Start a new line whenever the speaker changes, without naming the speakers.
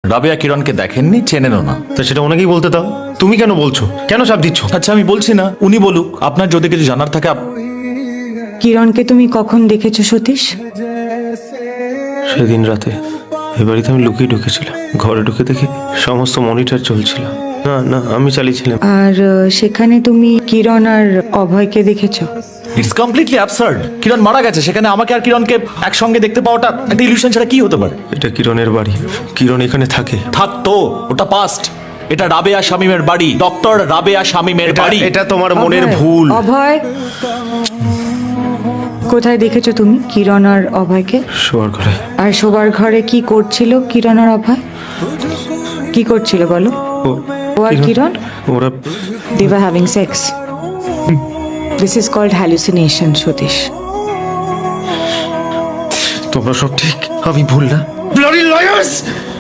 রাবেয়া কিরণকে দেখেননি, চেনেনও না।
তা সেটা ওনাকেই বলতে দাও। তুমি কেন বলছো? কেন চাপ দিচ্ছ?
আচ্ছা আমি বলছি না, উনি বলুক। আপনার যদি কিছু জানার থাকে
কিরণকে তুমি কখন দেখেছো সতীশ?
সেদিন রাতে এ বাড়িতে আমি লুকিয়ে ঢুকেছিলাম। ঘরে ঢুকে দেখি সমস্ত মনিটর চলছিল। না না, আমি চালিয়েছিলাম।
আর সেখানে তুমি কিরণ আর অভয়কে দেখেছো?
It's completely absurd. কিরণ মারা গেছে, সেখানে আমাকে আর কিরণকে একসঙ্গে দেখতে পাওয়াটা একটা ইলিউশন ছাড়া কি হতে পারে?
এটা কিরণের বাড়ি, কিরণ এখানে থাকে।
থাকতো, ওটা পাস্ট। এটা রাবেয়া শামীমের বাড়ি, ডক্টর রাবেয়া শামীমের বাড়ি।
এটা তোমার মনের
অভয়,
ভুল।
অভয়, কোথায় দেখেছো তুমি কিরণ আর অভয়কে?
শোয়ার ঘরে।
আর শোবার ঘরে কি করছিল কিরণ আর অভয়? কি করছিল বলো? ও আর কিরণ?
ওরা
They were having sex. This is called hallucination, Satish.
তোমরা সব ঠিক, আমি ভুল না। Bloody lawyers!